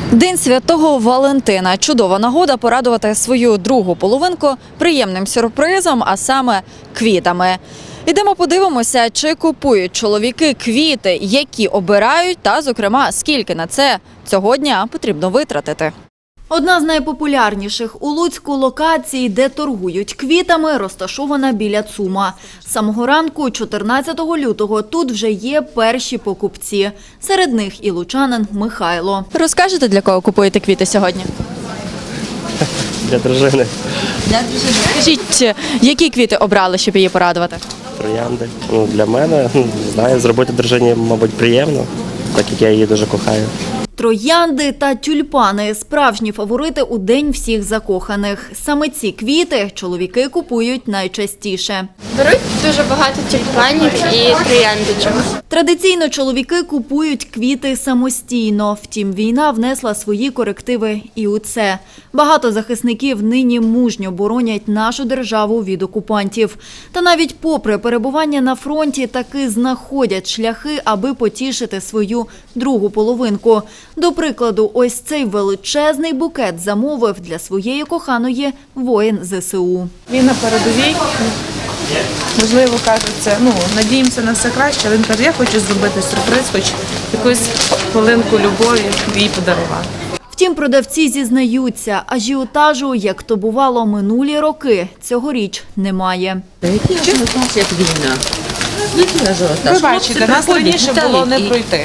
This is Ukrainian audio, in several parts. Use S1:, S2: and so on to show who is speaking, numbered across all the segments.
S1: День Святого Валентина – чудова нагода порадувати свою другу половинку приємним сюрпризом, а саме квітами. Ідемо подивимося, чи купують чоловіки квіти, які обирають, та, зокрема, скільки на це цього дня потрібно витратити. Одна з найпопулярніших у Луцьку локацій, де торгують квітами, розташована біля ЦУМа. З самого ранку, 14 лютого, тут вже є перші покупці. Серед них і лучанин Михайло. Розкажете, для кого купуєте квіти сьогодні?
S2: Для дружини.
S1: Для дружини. Скажіть, які квіти обрали, щоб її порадувати?
S2: Троянди. Для мене, не знаю, зробити дружині, мабуть, приємно, так як я її дуже кохаю.
S1: Троянди та тюльпани – справжні фаворити у День всіх закоханих. Саме ці квіти чоловіки купують найчастіше.
S3: Беруть дуже багато тюльпанів і трояндочок.
S1: Традиційно чоловіки купують квіти самостійно. Втім, війна внесла свої корективи і у це. Багато захисників нині мужньо боронять нашу державу від окупантів. Та навіть попри перебування на фронті таки знаходять шляхи, аби потішити свою другу половинку. До прикладу, ось цей величезний букет замовив для своєї коханої воїн ЗСУ.
S4: Він на передовій, можливо, каже це, надіємося на все краще, але він каже, я хочу зробити сюрприз, хоч якусь хвилинку любові їй подарувати.
S1: Втім, продавці зізнаються, ажіотажу, як то бувало минулі роки, цьогоріч немає.
S5: Який ажіотаж, як війна? Який ажіотаж?
S4: Ви бачите, нас раніше було не пройти.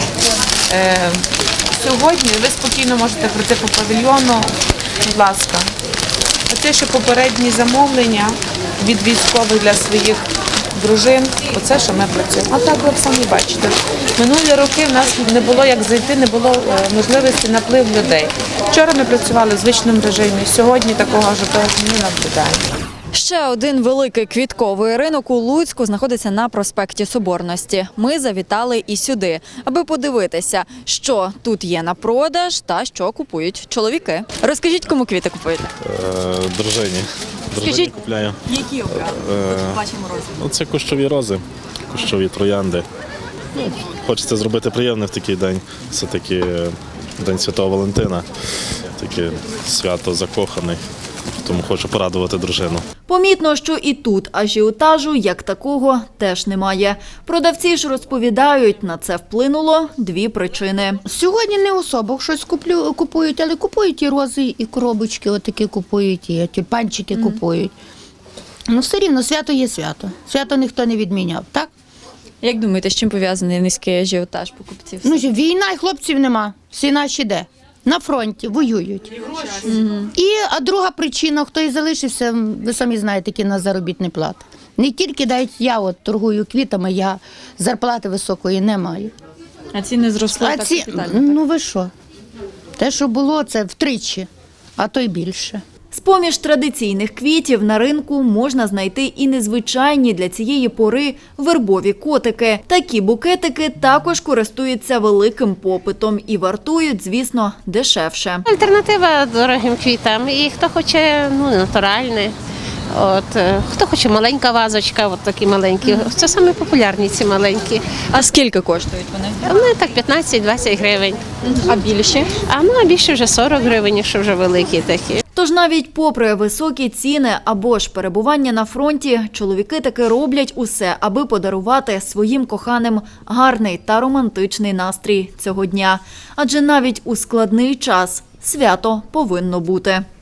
S4: Сьогодні ви спокійно можете пройти по павільйону, будь ласка. Оце, що попередні замовлення від військових для своїх дружин, оце, що ми працюємо. А так ви самі бачите. Минулі роки в нас не було як зайти, не було можливості наплив людей. Вчора ми працювали в звичному режимі, сьогодні такого ажіотажу не наблюдаємо.
S1: Ще один великий квітковий ринок у Луцьку знаходиться на проспекті Соборності. Ми завітали і сюди, аби подивитися, що тут є на продаж та що купують чоловіки. Розкажіть, кому квіти купуєте?
S6: Дружині.
S1: Скажіть,
S6: Купляю.
S1: які обрали? Бачимо рози.
S6: Це кущові рози, кущові троянди. Хочеться зробити приємне в такий день. Все-таки День Святого Валентина. Таке свято закоханий. Тому хочу порадувати дружину.
S1: Помітно, що і тут ажіотажу, як такого, теж немає. Продавці ж розповідають, на це вплинуло дві причини.
S7: Сьогодні не особо щось купують, але купують і рози, і коробочки отакі купують, і тюльпанчики купують. Все рівно, свято є свято. Свято ніхто не відміняв, так?
S1: Як думаєте, з чим пов'язаний низький ажіотаж покупців?
S7: Війна і хлопців нема, всі наші де? На фронті, воюють. А друга причина, хто і залишився, ви самі знаєте, які на заробітні плати. Не тільки дають, я торгую квітами, я зарплати високої не маю.
S1: А ціни зросли так капітально?
S7: Ви що? Те, що було, це втричі, а то й більше.
S1: З-поміж традиційних квітів на ринку можна знайти і незвичайні для цієї пори вербові котики. Такі букетики також користуються великим попитом і вартують, звісно, дешевше.
S3: Альтернатива дорогим квітам. І хто хоче натуральне, хто хоче маленька вазочка, такі маленькі. Це саме популярні ці маленькі.
S1: А скільки коштують вони?
S3: Вони так 15-20 гривень.
S1: А більші?
S3: А більше вже 40 гривень, якщо вже великі такі.
S1: Тож навіть попри високі ціни або ж перебування на фронті, чоловіки таки роблять усе, аби подарувати своїм коханим гарний та романтичний настрій цього дня. Адже навіть у складний час свято повинно бути.